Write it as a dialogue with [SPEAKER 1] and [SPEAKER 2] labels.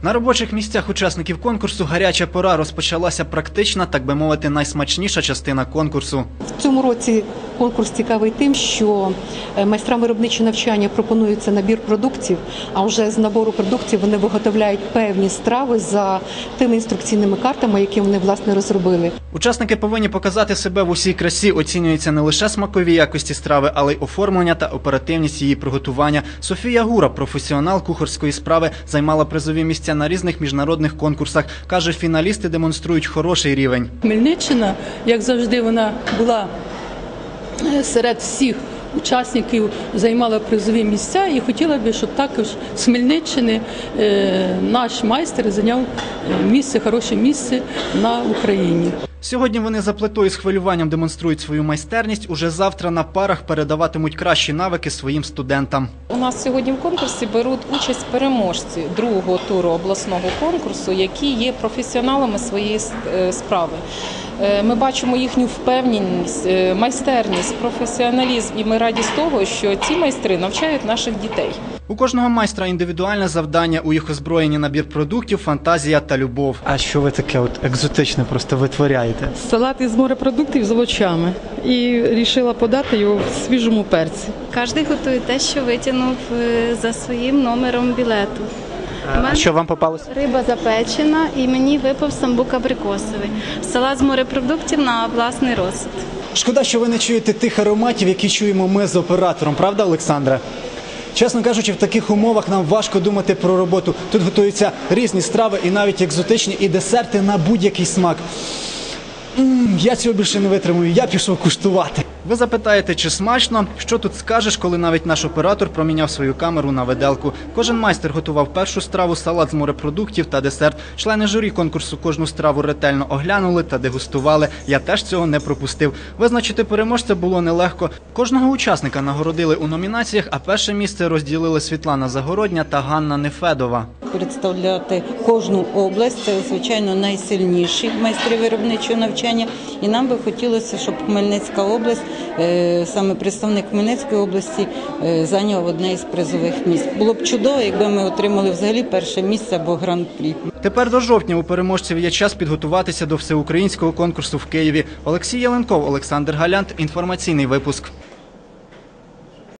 [SPEAKER 1] На робочих місцях учасників конкурсу гаряча пора. Розпочалася практична, так би мовити, найсмачніша частина конкурсу.
[SPEAKER 2] В цьому році конкурс цікавий тим, що майстрам виробничого навчання пропонується набір продуктів, а вже з набору продуктів вони виготовляють певні страви за тими інструкційними картами, які вони, власне, розробили.
[SPEAKER 1] Учасники повинні показати себе в усій красі. Оцінюються не лише смакові якості страви, але й оформлення та оперативність її приготування. Софія Гура, професіонал кухарської справи, займала призові місця на різних міжнародних конкурсах. Каже, фіналісти демонструють хороший рівень.
[SPEAKER 3] Хмельниччина, як завжди, вона була серед всіх учасників, займала призові місця, і хотіла б, щоб також з Хмельниччини наш майстер зайняв місце, хороше місце на Україні.
[SPEAKER 1] Сьогодні вони за плитою з хвилюванням демонструють свою майстерність. Уже завтра на парах передаватимуть кращі навики своїм студентам.
[SPEAKER 4] У нас сьогодні в конкурсі беруть участь переможці другого туру обласного конкурсу, які є професіоналами своєї справи. Ми бачимо їхню впевненість, майстерність, професіоналізм, і ми раді з того, що ці майстри навчають наших дітей.
[SPEAKER 1] У кожного майстра індивідуальне завдання, у їх озброєнні набір продуктів, фантазія та любов.
[SPEAKER 5] А що ви таке екзотичне просто витворяєте?
[SPEAKER 6] Салат із морепродуктів з овочами. І вирішила подати його в свіжому перці.
[SPEAKER 7] Кожен готує те, що витягнув за своїм номером білету.
[SPEAKER 5] А що вам попалося?
[SPEAKER 7] Риба запечена і мені випав самбук абрикосовий. Салат з морепродуктів на власний розсуд.
[SPEAKER 1] Шкода, що ви не чуєте тих ароматів, які чуємо ми з оператором. Правда, Олександра? Чесно кажучи, в таких умовах нам важко думати про роботу. Тут готуються різні страви і навіть екзотичні, і десерти на будь-який смак. Я цього більше не витримую, я пішов куштувати. Ви запитаєте, чи смачно? Що тут скажеш, коли навіть наш оператор проміняв свою камеру на виделку? Кожен майстер готував першу страву, салат з морепродуктів та десерт. Члени журі конкурсу кожну страву ретельно оглянули та дегустували. Я теж цього не пропустив. Визначити переможця було нелегко. Кожного учасника нагородили у номінаціях, а перше місце розділили Світлана Загородня та Ганна Нефедова.
[SPEAKER 8] Представляти кожну область – це, звичайно, найсильніші майстри виробничого навчання. І нам би хотілося, щоб Хмельницька область, саме представник Хмельницької області, зайняв одне із призових місць. Було б чудово, якби ми отримали взагалі перше місце або гран-прі.
[SPEAKER 1] Тепер до жовтня у переможців є час підготуватися до всеукраїнського конкурсу в Києві. Олексій Яленков, Олександр Галянт. Інформаційний випуск.